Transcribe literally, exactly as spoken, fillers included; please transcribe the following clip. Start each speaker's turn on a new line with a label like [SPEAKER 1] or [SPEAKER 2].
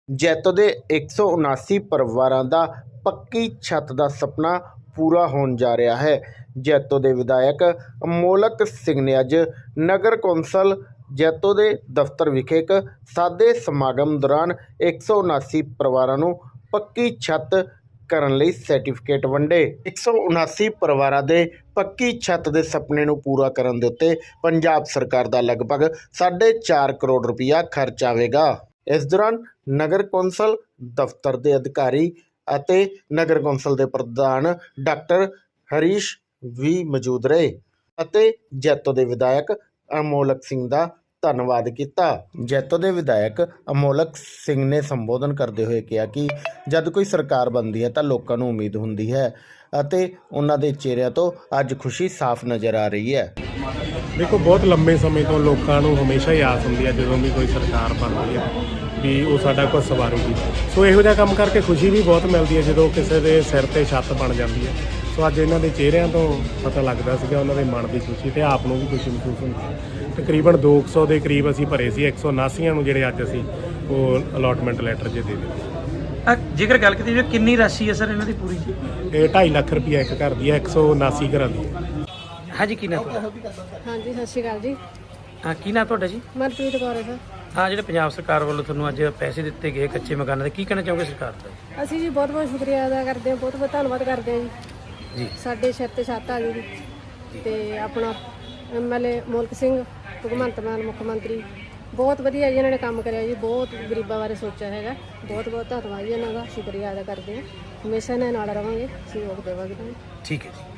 [SPEAKER 1] ਜੈਤੋ ਦੇ ਇੱਕ ਸੌ ਉਨਾਸੀ ਪਰਿਵਾਰਾਂ ਦਾ ਪੱਕੀ ਛੱਤ ਦਾ ਸੁਪਨਾ ਪੂਰਾ ਹੋਣ ਜਾ ਰਿਹਾ ਹੈ। ਜੈਤੋ ਦੇ ਵਿਧਾਇਕ ਅਮੋਲਕ ਸਿੰਘ ਨੇ ਅੱਜ ਨਗਰ ਕੌਂਸਲ ਜੈਤੋ ਦੇ ਦਫ਼ਤਰ ਵਿਖੇ ਇੱਕ ਸਾਦੇ ਸਮਾਗਮ ਦੌਰਾਨ ਇੱਕ ਸੌ ਉਨਾਸੀ ਪਰਿਵਾਰਾਂ ਨੂੰ ਪੱਕੀ ਛੱਤ ਕਰਨ ਲਈ ਸਰਟੀਫਿਕੇਟ ਵੰਡੇ। ਇੱਕ ਸੌ ਉਨਾਸੀ ਪਰਿਵਾਰਾਂ ਦੇ ਪੱਕੀ ਛੱਤ ਦੇ ਸੁਪਨੇ ਨੂੰ ਪੂਰਾ ਕਰਨ ਦੇ ਉੱਤੇ ਪੰਜਾਬ ਸਰਕਾਰ ਦਾ ਲਗਭਗ ਸਾਢੇ ਚਾਰ ਕਰੋੜ ਰੁਪਇਆ ਖਰਚ ਆਵੇਗਾ। ਇਸ ਦੌਰਾਨ ਨਗਰ ਕੌਂਸਲ ਦਫ਼ਤਰ ਦੇ ਅਧਿਕਾਰੀ ਅਤੇ ਨਗਰ ਕੌਂਸਲ ਦੇ ਪ੍ਰਧਾਨ ਡਾਕਟਰ ਹਰੀਸ਼ ਵੀ ਮੌਜੂਦ ਰਹੇ ਅਤੇ ਜੈਤੋ ਦੇ ਵਿਧਾਇਕ ਅਮੋਲਕ ਸਿੰਘ ਦਾ ਧੰਨਵਾਦ ਕੀਤਾ। ਜੈਤੋ ਦੇ ਵਿਧਾਇਕ ਅਮੋਲਕ ਸਿੰਘ ਨੇ ਸੰਬੋਧਨ ਕਰਦੇ ਹੋਏ ਕਿਹਾ ਕਿ ਜਦ ਕੋਈ ਸਰਕਾਰ ਬਣਦੀ ਹੈ ਤਾਂ ਲੋਕਾਂ ਨੂੰ ਉਮੀਦ ਹੁੰਦੀ ਹੈ ਅਤੇ ਉਹਨਾਂ ਦੇ ਚਿਹਰਿਆਂ ਤੋਂ ਅੱਜ ਖੁਸ਼ੀ ਸਾਫ਼ ਨਜ਼ਰ ਆ ਰਹੀ ਹੈ।
[SPEAKER 2] ਦੇਖੋ, ਬਹੁਤ ਲੰਬੇ ਸਮੇਂ ਤੋਂ ਲੋਕਾਂ ਨੂੰ ਹਮੇਸ਼ਾ ਹੀ ਆਸ ਹੁੰਦੀ ਹੈ ਜਦੋਂ ਵੀ ਕੋਈ ਸਰਕਾਰ ਬਣਦੀ ਹੈ ਵੀ ਉਹ ਸਾਡਾ ਕੁਝ ਸਵਾਰੂਗੀ। ਸੋ ਇਹੋ ਜਿਹਾ ਕੰਮ ਕਰਕੇ ਖੁਸ਼ੀ ਵੀ ਬਹੁਤ ਮਿਲਦੀ ਹੈ ਜਦੋਂ ਕਿਸੇ ਦੇ ਸਿਰ 'ਤੇ ਛੱਤ ਬਣ ਜਾਂਦੀ ਹੈ। ਸੋ ਅੱਜ ਇਹਨਾਂ ਦੇ ਚਿਹਰਿਆਂ ਤੋਂ ਪਤਾ ਲੱਗਦਾ ਸੀਗਾ ਉਹਨਾਂ ਦੇ ਮਨ ਦੀ ਖੁਸ਼ੀ ਅਤੇ ਆਪ ਨੂੰ ਵੀ ਖੁਸ਼ੀ ਮਹਿਸੂਸ ਹੁੰਦੀ। ਤਕਰੀਬਨ ਦੋ ਕੁ ਸੌ ਦੇ ਕਰੀਬ ਅਸੀਂ ਭਰੇ ਸੀ, ਇੱਕ ਸੌ ਉਨਾਸੀਆਂ ਨੂੰ ਜਿਹੜੇ ਅੱਜ ਅਸੀਂ ਉਹ ਅਲੋਟਮੈਂਟ ਲੈਟਰ ਜੇ ਦੇ ਦਿੱਤੇ।
[SPEAKER 3] ਜੇਕਰ ਗੱਲ ਕੀਤੀ ਜਾਵੇ ਕਿੰਨੀ ਰਾਸ਼ੀ ਹੈ ਸਰ ਇਹਨਾਂ ਦੀ ਪੂਰੀ ਜੀ?
[SPEAKER 2] ਇਹ ਢਾਈ ਲੱਖ ਰੁਪਈਆ ਇੱਕ ਘਰ ਦੀ ਹੈ, ਇੱਕ ਸੌ ਉਨਾਸੀ ਘਰਾਂ ਦੀ।
[SPEAKER 3] ਹਾਂਜੀ, ਕੀ ਨਾਮ ਤੁਹਾਡਾ?
[SPEAKER 4] ਹਾਂਜੀ, ਸਤਿ ਸ਼੍ਰੀ ਅਕਾਲ ਜੀ।
[SPEAKER 3] ਹਾਂ, ਕੀ ਨਾਮ ਤੁਹਾਡਾ ਜੀ?
[SPEAKER 4] ਮਨਪ੍ਰੀਤ ਕੌਰ ਹੈ ਸਰ।
[SPEAKER 3] ਹਾਂ, ਜਿਹੜੇ ਪੰਜਾਬ ਸਰਕਾਰ ਵੱਲੋਂ ਤੁਹਾਨੂੰ ਅੱਜ ਪੈਸੇ ਦਿੱਤੇ ਗਏ ਕੱਚੇ ਮਕਾਨਾਂ ਦੇ, ਕੀ ਕਹਿਣਾ ਚਾਹੋਗੇ ਸਰਕਾਰ ਦਾ?
[SPEAKER 4] ਅਸੀਂ ਜੀ ਬਹੁਤ ਬਹੁਤ ਸ਼ੁਕਰੀਆ ਅਦਾ ਕਰਦੇ ਹਾਂ, ਬਹੁਤ ਬਹੁਤ ਧੰਨਵਾਦ ਕਰਦੇ ਹਾਂ ਜੀ।
[SPEAKER 3] ਜੀ
[SPEAKER 4] ਸਾਡੇ ਸਿਰ 'ਤੇ ਛੱਤ ਆ ਜੂਗੀ ਅਤੇ ਆਪਣਾ ਐਮ ਐਲ ਏ ਮੋਲਕ ਸਿੰਘ, ਭਗਵੰਤ ਮਾਨ ਮੁੱਖ ਮੰਤਰੀ, ਬਹੁਤ ਵਧੀਆ ਜੀ ਇਹਨਾਂ ਨੇ ਕੰਮ ਕਰਿਆ ਜੀ। ਬਹੁਤ ਗਰੀਬਾਂ ਬਾਰੇ ਸੋਚਿਆ ਹੈਗਾ। ਬਹੁਤ ਬਹੁਤ ਧੰਨਵਾਦ ਜੀ ਇਹਨਾਂ ਦਾ, ਸ਼ੁਕਰੀਆ ਅਦਾ ਕਰਦੇ ਹਾਂ। ਹਮੇਸ਼ਾ ਇਹਨਾਂ ਨਾਲ ਰਵਾਂਗੇ, ਸਹਿਯੋਗ ਦੇਵਾਂਗੇ।
[SPEAKER 3] ਠੀਕ ਹੈ ਜੀ।